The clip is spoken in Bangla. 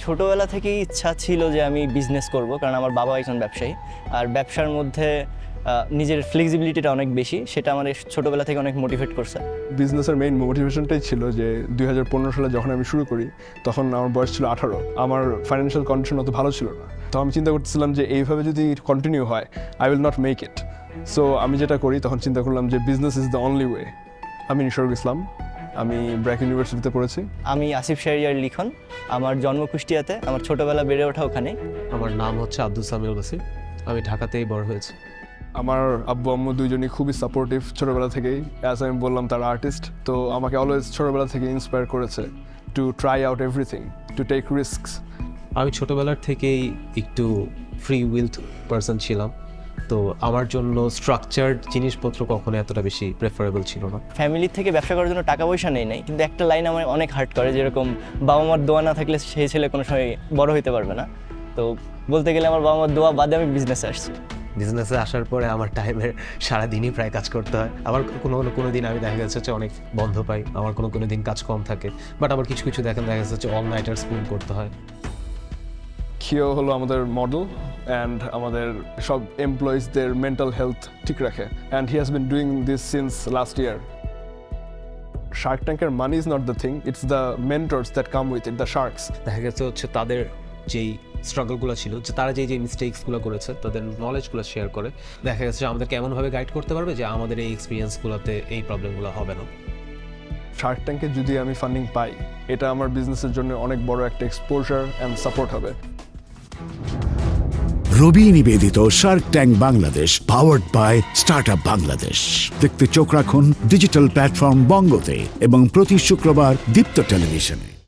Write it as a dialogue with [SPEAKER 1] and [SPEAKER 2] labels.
[SPEAKER 1] ছোটোবেলা থেকেই ইচ্ছা ছিল যে আমি বিজনেস করব, কারণ আমার বাবা একজন ব্যবসায়ী। আর ব্যবসার মধ্যে নিজের ফ্লেক্সিবিলিটিটা অনেক বেশি, সেটা আমার ছোটোবেলা থেকে অনেক মোটিভেট করছে।
[SPEAKER 2] বিজনেসের মেইন মোটিভেশনটাই ছিল যে 2015 সালে যখন আমি শুরু করি তখন আমার বয়স ছিল 18। আমার ফাইন্যান্সিয়াল কন্ডিশন অত ভালো ছিল না, তো আমি চিন্তা করতেছিলাম যে এইভাবে যদি কন্টিনিউ হয় I will not make it. So আমি যেটা করি তখন চিন্তা করলাম যে business is the only way. আমি নিসর্গ ইসলাম, আমি ব্র্যাক ইউনিভার্সিটিতে পড়েছি।
[SPEAKER 1] আমি আসিফ শাহরিয়ার লিখন, আমার জন্ম কুষ্টিয়াতে, আমার ছোটোবেলা বেড়ে ওঠা ওখানে।
[SPEAKER 3] আমার নাম হচ্ছে আব্দুল সামিউল বাসির, আমি ঢাকাতেই বড় হয়েছি।
[SPEAKER 2] আমার আব্বু আম্মু দুইজনই খুবই সাপোর্টিভ ছোটোবেলা থেকেই। অ্যাজ আমি বললাম তারা আর্টিস্ট, তো আমাকে অলওয়েজ ছোটোবেলা থেকে ইন্সপায়ার করেছে to try out everything, to take risks.
[SPEAKER 3] আমি ছোটোবেলার থেকেই একটু ফ্রি উইলড পারসন ছিলাম, তো আমার জন্য স্ট্রাকচার্ড জিনিসপত্র কখনো এতটা বেশি প্রেফারেবল ছিল না।
[SPEAKER 1] ফ্যামিলির থেকে ব্যবসা করার জন্য টাকা পয়সা নেই নাই, কিন্তু একটা লাইন আমার অনেক হার্ট করে, যেরকম বাবা মার দোয়া না থাকলে সেই ছেলে কোনো সময় বড় হইতে পারবে না। তো বলতে গেলে আমার বাবা মার দোয়া বাদে আমি বিজনেসে আসছি।
[SPEAKER 3] বিজনেসে আসার পরে আমার টাইমের সারাদিনই প্রায় কাজ করতে হয়। আবার কোনো দিন আমি দেখা যাচ্ছে যে অনেক বন্ধ পাই, আমার কোনো দিন কাজ কম থাকে, বাট আবার কিছু দেখা যাচ্ছে অল নাইটার স্পুন করতে হয়।
[SPEAKER 2] খিও হলো আমাদের মডেল অ্যান্ড আমাদের সব এমপ্লয়িজদের মেন্টাল হেলথ ঠিক রাখে, and he has been doing this since last year. Shark ট্যাঙ্কের money is not the thing, it's the mentors that come with it, the sharks.
[SPEAKER 3] দেখা গেছে হচ্ছে তাদের যেই স্ট্রাগলগুলো ছিল, যে তারা যেই মিস্টেক্সগুলো করেছে তাদের নলেজগুলো শেয়ার করে দেখা গেছে যে আমাদেরকে এমনভাবে গাইড করতে পারবে যে আমাদের এই এক্সপিরিয়েন্সগুলোতে এই প্রবলেমগুলো হবে না।
[SPEAKER 2] শার্ক ট্যাঙ্কে যদি আমি ফান্ডিং পাই, এটা আমার বিজনেসের জন্য অনেক বড় একটা এক্সপোজার অ্যান্ড সাপোর্ট হবে।
[SPEAKER 4] রবি নিবেদিত Shark Tank Bangladesh, powered by Startup Bangladesh. দেখতে চোখ রাখুন ডিজিটাল প্ল্যাটফর্ম বঙ্গতে এবং প্রতি শুক্রবার দীপ্ত টেলিভিশনে।